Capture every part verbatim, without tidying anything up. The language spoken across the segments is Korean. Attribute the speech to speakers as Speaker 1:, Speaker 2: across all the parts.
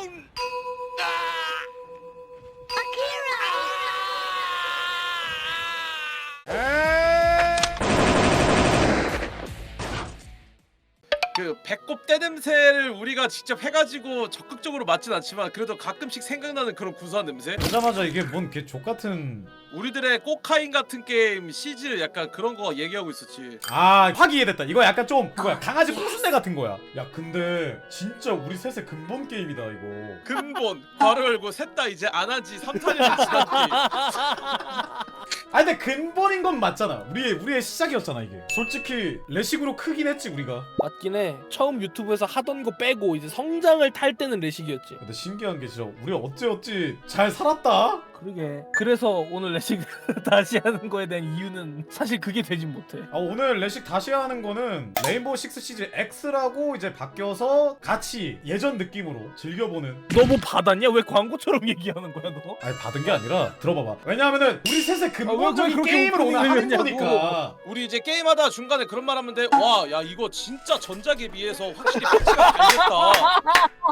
Speaker 1: down. 그 배꼽 떼냄새를 우리가 직접 해가지고 적극적으로 맞진 않지만 그래도 가끔씩 생각나는 그런 구수한 냄새?
Speaker 2: 보자마자 이게 뭔 개 족같은.
Speaker 1: 우리들의 꼬카인 같은 게임 시즈 약간 그런 거 얘기하고 있었지.
Speaker 2: 아 확 이해됐다. 이거 약간 좀 그거야, 강아지 콩순내 같은 거야. 야 근데 진짜 우리 셋의 근본 게임이다 이거.
Speaker 1: 근본 괄호 열고 셋 다 이제 안 한지 삼, 사 년이 지났지.
Speaker 2: 아니 근데 근본인 건 맞잖아. 우리의 우리의 시작이었잖아 이게. 솔직히 레식으로 크긴 했지 우리가.
Speaker 3: 맞긴 해. 처음 유튜브에서 하던 거 빼고 이제 성장을 탈 때는 레식이었지.
Speaker 2: 근데 신기한 게 진짜 우리 어찌 어찌 잘 살았다.
Speaker 3: 그러게. 그래서 오늘 레식 다시 하는 거에 대한 이유는 사실 그게 되진 못해.
Speaker 2: 아, 오늘 레식 다시 하는 거는 레인보우 식스 시즈 X라고 이제 바뀌어서 같이 예전 느낌으로 즐겨보는.
Speaker 3: 너 뭐 받았냐? 왜 광고처럼 얘기하는 거야 너?
Speaker 2: 아니 받은 게 아니라 들어봐봐. 왜냐하면은 우리 셋의 근본적인
Speaker 3: 그렇게
Speaker 2: 게임을 오늘 하는
Speaker 3: 오픈을
Speaker 2: 거니까.
Speaker 1: 우리 이제 게임하다 중간에 그런 말 하면 돼. 와, 야 이거 진짜 전작에 비해서 확실히 패치가 잘 됐다.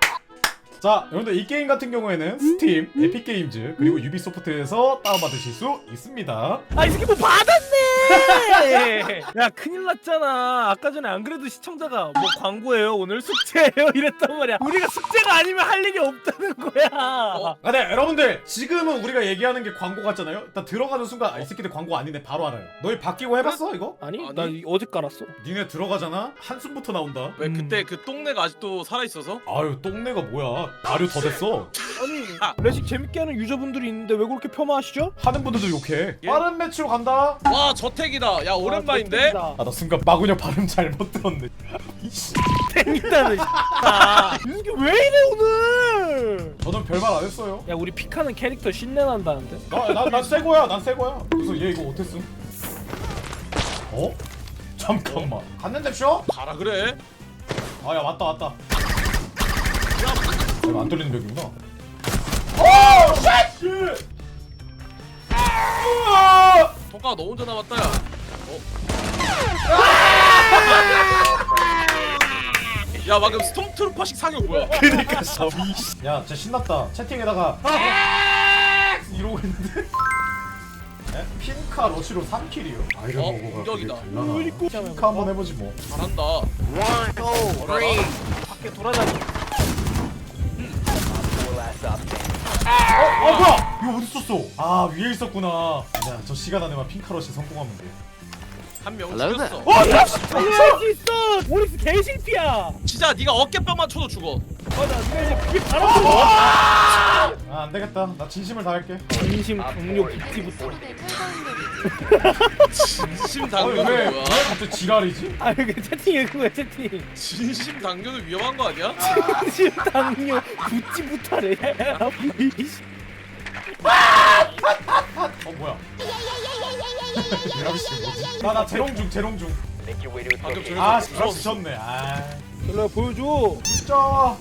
Speaker 2: 자 여러분들 이 게임 같은 경우에는 스팀, 에픽게임즈 그리고 유비소프트에서 다운받으실 수 있습니다.
Speaker 3: 아 이 새끼 뭐 받았네! 야 큰일 났잖아. 아까 전에 안 그래도 시청자가 뭐 광고예요 오늘 숙제예요 이랬단 말이야. 우리가 숙제가 아니면 할 일이 없다는 거야.
Speaker 1: 어?
Speaker 2: 아, 네 여러분들 지금은 우리가 얘기하는 게 광고 같잖아요. 일단 들어가는 순간 아, 이 새끼들 광고 아니네 바로 알아요. 너희 바뀌고 해봤어 이거?
Speaker 3: 아니,
Speaker 1: 아니?
Speaker 3: 나 이- 어제 깔았어.
Speaker 2: 니네 들어가잖아? 한숨부터 나온다.
Speaker 1: 왜
Speaker 3: 음.
Speaker 1: 그때 그 똥내가 아직도 살아있어서?
Speaker 2: 아유 똥내가 뭐야. 발효 더 됐어.
Speaker 3: 아니
Speaker 1: 아.
Speaker 3: 레식 재밌게 하는 유저분들이 있는데 왜 그렇게 폄하하시죠?
Speaker 2: 하는 분들도 욕해.
Speaker 1: 예?
Speaker 2: 빠른 매치로 간다.
Speaker 1: 와 저택이다. 야 오랜만인데?
Speaker 3: 아
Speaker 2: 아 나 순간 마구녀 발음 잘못 들었네. 이씨.
Speaker 3: 땡이다는 아, 이 새끼 왜 이래 오늘?
Speaker 2: 저는 별말 안 했어요.
Speaker 3: 야 우리 픽하는 캐릭터 신내 난다는데?
Speaker 2: 나난난 새거야. 난 새거야. 그래서 얘 이거 어땠음? 어? 잠깐만. 갔는데 쇼?
Speaker 1: 가라 그래.
Speaker 2: 아 야 왔다 왔다. 이거 안 뚫리는 벽이구나. 오 쉣!
Speaker 1: 통과가 너 혼자 남았다 야. 어? 야 방금 스톰트루퍼식 사격 뭐야?
Speaker 2: 그니까 샤비. 야 진짜 신났다. 채팅에다가 이러고 있는데. 네? 핑카 러시로 삼 킬이요. 아이런
Speaker 1: 어,
Speaker 2: 거가
Speaker 1: 공격이다.
Speaker 2: 핑카 한번 해보지 뭐.
Speaker 1: 잘한다.
Speaker 3: 밖에 돌아다니.
Speaker 2: 어, 어 뭐야? 이거 어디 있었어? 아 위에 있었구나. 야, 저 시간 안에만 핑카러시 성공하면 돼.
Speaker 1: 한 명 죽였어.
Speaker 2: 어, 야!
Speaker 3: 살릴 수 있어. 오릭스 개실피야.
Speaker 1: 진짜 네가 어깨빵만 쳐도 죽어.
Speaker 3: 맞아. 네가 이제 그게 바로 들어.
Speaker 2: 아, 안 되겠다. 나 진심을 다할게.
Speaker 3: 진심 강요 빅티부터.
Speaker 1: 진심
Speaker 2: 아니,
Speaker 1: 당뇨는
Speaker 2: 왜, 왜
Speaker 1: 뭐야?
Speaker 2: 갑자기 지랄이지?
Speaker 3: 아 이거 채팅 읽은 거야 채팅.
Speaker 1: 진심 당뇨는 위험한 거 아니야?
Speaker 3: 진심 강요 굿지부터래.
Speaker 2: 어 뭐야? 미라비씨 뭐지? 나나 재롱중 재롱중.
Speaker 1: 방금 저기
Speaker 2: 아 씨발 지쳤네. 아
Speaker 3: 일로 보여줘.
Speaker 2: 진짜. 어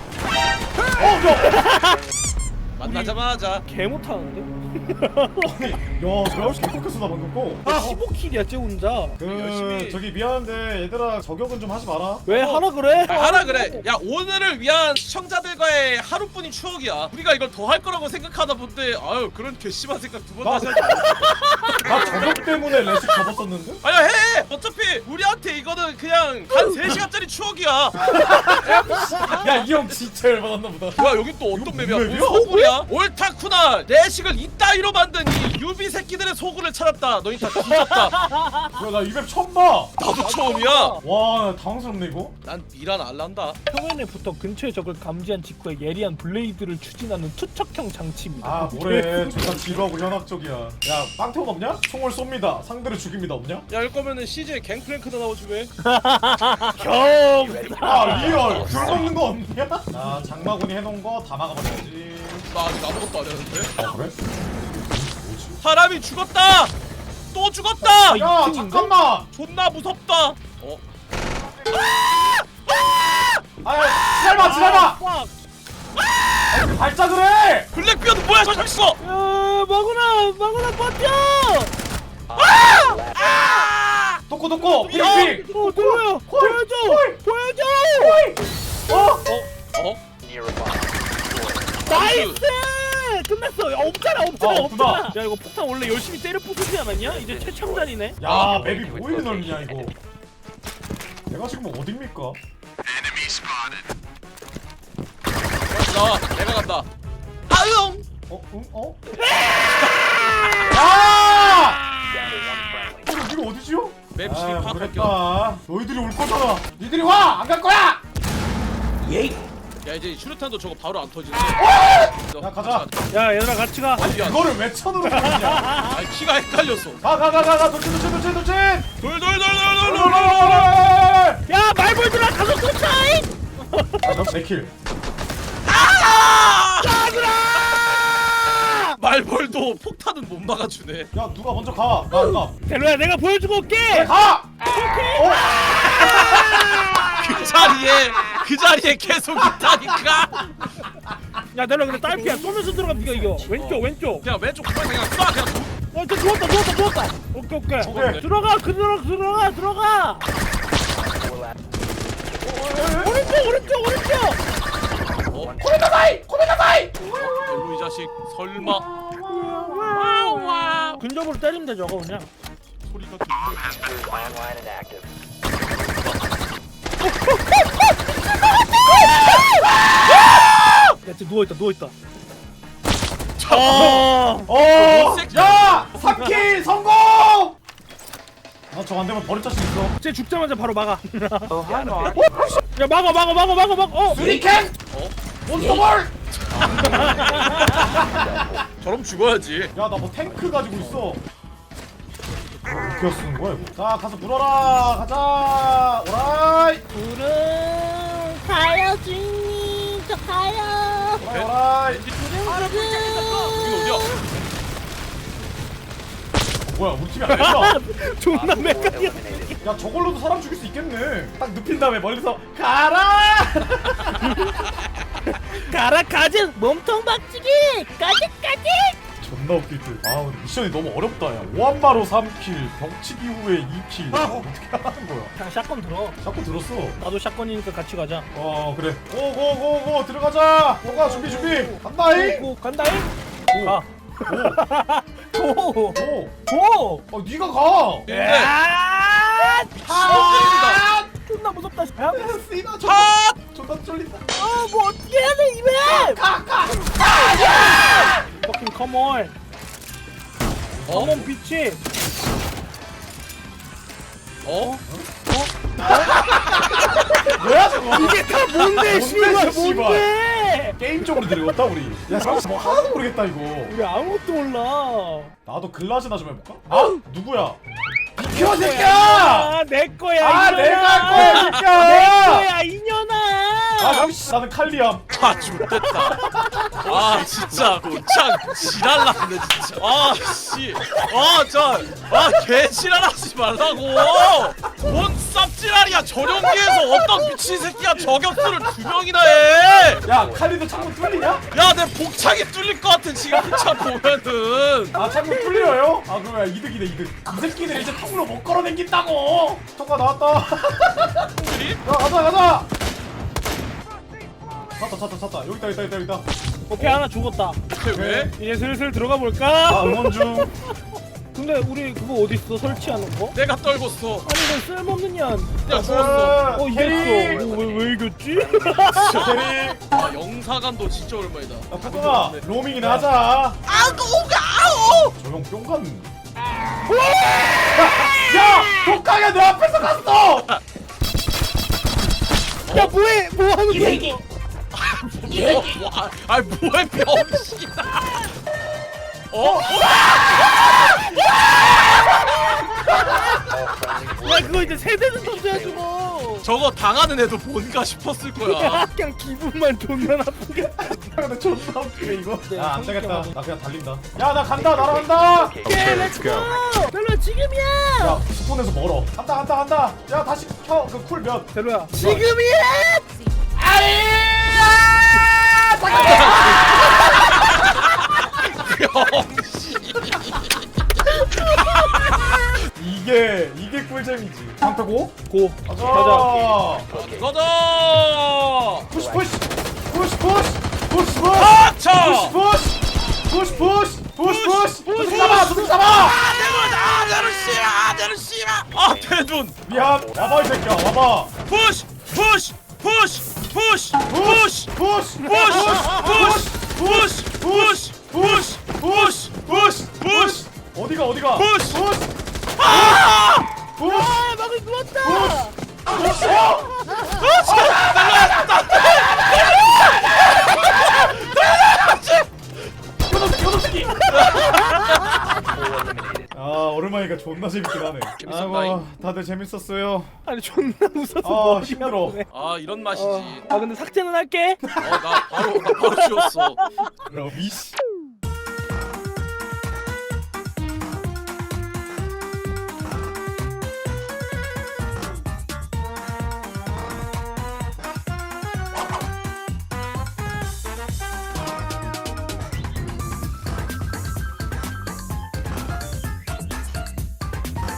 Speaker 2: 야.
Speaker 1: 만나자마자
Speaker 3: 개 못하는데?
Speaker 2: 아니, 야 저렇게 꺾였어 나 방금 거.
Speaker 3: 아 십오 킬이야 쟤 혼자.
Speaker 2: 그
Speaker 1: 열심히.
Speaker 2: 저기 미안한데 얘들아 저격은 좀 하지 마라.
Speaker 3: 왜
Speaker 1: 어.
Speaker 3: 하라 그래?
Speaker 1: 아, 하라 그래. 야 오늘을 위한 시청자들과의 하루뿐인 추억이야. 우리가 이걸 더 할 거라고 생각하다 본데 아유 그런 괘씸한 생각 두 번
Speaker 2: 나-
Speaker 1: 다시 하지 마.
Speaker 2: 나 저격 때문에 레식 접었었는데?
Speaker 1: 아니야 해. 어차피 우리한테 이거는 그냥 한 세 시간짜리 추억이야.
Speaker 2: 야 이 형 진짜 열받았나 보다.
Speaker 1: 야 여기 또 어떤 맵이야?
Speaker 2: 무슨
Speaker 1: 무슨
Speaker 2: 맵이야?
Speaker 1: 소굴이야? 옳다쿠나 내식을 이따위로 만든 이 유비 새끼들의 소굴을 찾았다. 너희 다 뒤졌다.
Speaker 2: 야나 이 맵 처음 봐.
Speaker 1: 나도 처음이야.
Speaker 2: 와 당황스럽네 이거.
Speaker 1: 난 미란 알란다.
Speaker 3: 표면에 붙어 근처의 적을 감지한 직후에 예리한 블레이드를 추진하는 투척형 장치입니다.
Speaker 2: 아 뭐래 존나 지루하고 현학적이야. 야 빵태원 없냐? 총을 쏩니다. 상대를 죽입니다 없냐?
Speaker 1: 야 이럴 거면은 씨제이 갱플랭크도 나오지 왜?
Speaker 3: 경.
Speaker 2: 아 리얼 술 먹는 거 없냐? 아 장마군이 해놓은 거 다 막아버려야지.
Speaker 1: 나 아직 아무것도 안 했는데.
Speaker 2: 아 그래? 뭐지?
Speaker 1: 사람이 죽었다. 또 죽었다.
Speaker 2: 야
Speaker 3: 이 팀인가?
Speaker 2: 잠깐만.
Speaker 1: 존나 무섭다. 어?
Speaker 2: 아 지랄마 지랄마.
Speaker 3: 꽉.
Speaker 2: 발작을 해.
Speaker 1: 블랙비어드 뭐야 저 있어.
Speaker 3: 야 마구나 마구나 버텨.
Speaker 2: 도코 도코 핑핑.
Speaker 3: 어 들어요. 보여줘. 보여줘.
Speaker 2: 어?
Speaker 1: 어? 어?
Speaker 3: 나이스! 끝났어. 야, 없잖아, 없잖아,
Speaker 2: 아, 없구나.
Speaker 3: 없잖아. 야, 이거 폭탄 원래 열심히 때려 부수지 않았냐? 이제 최첨단이네.
Speaker 2: 야 맵이 뭐 이리 넓냐 이거. 내가 지금 어딥니까?
Speaker 1: 나 내가 간다. 아용.
Speaker 2: 어? 응? 어? 야! 이거 이거 어디지요?
Speaker 1: 맵 진입
Speaker 2: 아,
Speaker 1: 파악할게요.
Speaker 2: 그랬다. 너희들이 올 거잖아. 니들이 와! 안 갈 거야!
Speaker 1: 야 이제 슈루탄도 저거 바로 안 터지네.
Speaker 2: 야, 가자.
Speaker 3: 야, 얘들아 같이 가.
Speaker 1: 아니 야,
Speaker 2: 이거를 왜 쳐놓는 거냐?
Speaker 1: 아 키가 헷갈렸어.
Speaker 2: 가, 가, 가, 가, 가, 돌진, 돌진, 돌진, 돌진!
Speaker 1: 돌돌돌돌돌돌.
Speaker 3: 야, 말벌들아 가서 쫓아잉!
Speaker 2: 아, 내 킬.
Speaker 1: 말벌도 폭탄은 못 막아주네.
Speaker 2: 야, 누가 먼저 가. 나, 안 가.
Speaker 3: 델로야, 내가 보여주고 올게.
Speaker 2: 가! 어?
Speaker 1: 그 자리에 그 자리에 계속 있다니까.
Speaker 3: 야, 델로야, 근데 딸피야. 쏘면서 들어가 네가 이겨. 왼쪽, 왼쪽.
Speaker 1: 그냥 왼쪽 그냥 그냥 쏴 그냥.
Speaker 3: 어, 저 누웠다, 누웠다, 누웠다. 오케이, 오케이.
Speaker 1: 오케이.
Speaker 3: 들어가, 그 들어가, 들어가, 들어가. 오른쪽, 오른쪽, 오른쪽.
Speaker 1: 어?
Speaker 2: 코메가사이! 코메가사이!
Speaker 1: 별로 이 자식 설마
Speaker 3: 근접으로 때리면 돼, 저거 그냥.
Speaker 1: 소리가 들려.
Speaker 4: Online and active.
Speaker 3: 야, 쟤 누워있다, 누워있다.
Speaker 1: 어.
Speaker 2: 어!
Speaker 1: 새끼.
Speaker 2: 야! 삼 킬 성공! 나 저거 안 되면 버릴 자신 있어.
Speaker 3: 쟤 죽자마자 바로 막아. 야, 막아, 막아, 막아, 막아, 막아. 어,
Speaker 2: 수리캔!
Speaker 1: 어?
Speaker 2: 몬스터볼!
Speaker 1: 저럼 죽어야지.
Speaker 2: 야, 나 뭐 탱크 가지고 있어. 어떻게 쓰는 거야, 이거? 자, 가서 물어라! 가자! 오라이!
Speaker 5: 부릉 가요 주인님 저 가요
Speaker 2: 오라이! 오라이!
Speaker 1: 여기 어디야?
Speaker 2: 뭐야, 우리 팀이 아니야?
Speaker 3: 존나
Speaker 4: Op four
Speaker 3: 메카니야.
Speaker 4: eliminated.
Speaker 2: 야, 저걸로도 사람 죽일 수 있겠네. 딱 눕힌 다음에 멀리서 가라!
Speaker 3: 가라, 가진.
Speaker 5: 몸통 박치기 까짓까짓
Speaker 2: 존나 웃길 듯. 아, 근데 미션이 너무 어렵다, 야. 오한마로 삼 킬, 벽치기 후에 이 킬. 어떻게 하는 거야?
Speaker 3: 그냥 샷건 들어.
Speaker 2: 자꾸 들었어.
Speaker 3: 나도 샷건이니까 같이 가자.
Speaker 2: 어, 그래. 고고고고 들어가자. 고가 준비 준비. 간다잉.
Speaker 3: 오, 간다잉.
Speaker 2: 오.
Speaker 3: 가. 오,
Speaker 2: 오.
Speaker 3: 오.
Speaker 2: 어, 네가 가.
Speaker 1: 근데
Speaker 3: 야!
Speaker 1: 아!
Speaker 3: 존나 무섭다. 야,
Speaker 2: 쓰이나 존나
Speaker 1: 아!
Speaker 2: 존나 쫄린다.
Speaker 5: 어 뭐 어떻게 해야 돼 이맵
Speaker 2: 가 가.
Speaker 3: fucking come on.
Speaker 1: 어?
Speaker 3: come on, 비치.
Speaker 1: 어?
Speaker 2: 뭐야 저거?
Speaker 3: 이게 다 뭔데,
Speaker 2: 뭔데,
Speaker 3: 씨발,
Speaker 2: 씨발.
Speaker 3: 뭔데?
Speaker 2: 게임 쪽으로 들어갔다 우리. 야, 잠깐 뭐 하나도 모르겠다 이거.
Speaker 3: 우리 아무것도 몰라.
Speaker 2: 나도 글라즈나 좀 해볼까? 아, 누구야? 비켜 새끼야!
Speaker 3: 아, 내 거야.
Speaker 2: 아,
Speaker 3: 이년아.
Speaker 2: 내가 할 거야,
Speaker 3: 내
Speaker 2: 새끼야!
Speaker 3: 거야, 이년아.
Speaker 2: 아, 씨, 나는 칼리암.
Speaker 1: 아 죽겠다. 아 진짜 고창 지랄났네 진짜. 아씨. 아저아 개지랄하지 말라고. 뭔 쌉지랄이야. 전용기에서 어떤 미친 새끼가 저격수를 두 명이나 해.
Speaker 2: 야, 칼리도 창문 뚫리냐?
Speaker 1: 야 내 복창이 뚫릴 것 같은 지금 복창 보면은.
Speaker 2: 아, 창문 뚫려요? 아, 그러면 이득이네 이득. 이 새끼들 이제 통으로 못 걸어댕긴다고. 통과 나왔다.
Speaker 1: 우리?
Speaker 2: 야, 가자 가자. 찾다 찾다 찾다. 여기 있다 여기 있다 여기 있다.
Speaker 3: 오케이, 하나 죽었다.
Speaker 1: 왜?
Speaker 3: 이제 슬슬 들어가
Speaker 2: 아,
Speaker 3: 볼까?
Speaker 2: 응원 중.
Speaker 3: 근데 우리 그거 어디 있어? 설치하는 거?
Speaker 1: 내가 떨궜어.
Speaker 3: 아니, 너 쓸모없는 년.
Speaker 1: 야 죽었어.
Speaker 3: 어,
Speaker 2: 캐리.
Speaker 3: 이겼어. 어, 왜, 왜 이겼지?
Speaker 2: 캐리.
Speaker 1: 아 영사관도 진짜 오랜만이다.
Speaker 2: 야, 포동아, 로밍이나 하자. 아,
Speaker 1: 아우
Speaker 2: 조용 뿅간. 야, 독하게 내 앞에서 갔어.
Speaker 3: 야, 뭐해? 뭐 하는 거야? 이거?
Speaker 1: 뭐, 뭐, 아, 아이 뭐해 병신아. 어?
Speaker 3: 야, 그거 이제 세대는 던져야지 뭐.
Speaker 1: 저거 당하는 애도 뭔가 싶었을 거야.
Speaker 3: 그냥 기분만 존나 나쁘게.
Speaker 2: 근데 존나 웃기네 이거.
Speaker 3: 네,
Speaker 2: 야, 안 되겠다.
Speaker 3: 성격이
Speaker 2: 나 그냥 달린다. 야, 나 간다. 날아간다.
Speaker 3: 오케이, 렛츠고.
Speaker 5: 별로 지금이야
Speaker 2: 야, 스폰에서 멀어. 간다 간다 간다. 야, 다시 켜. 그 쿨 몇?
Speaker 3: 대로야.
Speaker 5: 지금이야
Speaker 1: 병신.
Speaker 2: 이게 이게 꿀잼이지. 방패고?
Speaker 3: 고.
Speaker 2: 가자.
Speaker 3: 가자.
Speaker 1: 가자.
Speaker 2: 푸시 푸시 푸시 푸시 푸시 푸시.
Speaker 1: 아! 자
Speaker 2: 푸시 푸시 푸시 푸시 푸시
Speaker 1: 푸시,
Speaker 2: 푸시 잡아 푸시 잡아.
Speaker 1: 아 대돈 아 대돈 씨발 아 대돈 씨발 아 대돈
Speaker 2: 미안. 와봐 이 새끼야 와봐.
Speaker 1: 푸시 푸시 푸시 푸시 푸시
Speaker 2: 푸시
Speaker 1: 푸시 푸시 푸시 푸시 푸시 푸시 푸시 푸시
Speaker 2: 어디가 어디가
Speaker 1: 푸시.
Speaker 2: 푸시
Speaker 1: 아
Speaker 2: 푸시
Speaker 5: 아 막을 누웠다.
Speaker 2: 푸시 요놈새끼 요놈새끼. 아 오랜만이니까 존나 재밌긴 하네.
Speaker 1: 재밌었다,
Speaker 2: 아이고 다들 재밌었어요.
Speaker 3: 아니 존나 웃어서
Speaker 2: 아
Speaker 3: 머리
Speaker 2: 힘들어.
Speaker 3: 아프네.
Speaker 1: 아 이런 맛이지
Speaker 3: 아 근데 삭제는 할게.
Speaker 1: 어나 바로 나 바로 지웠어
Speaker 2: 그럼 이씨.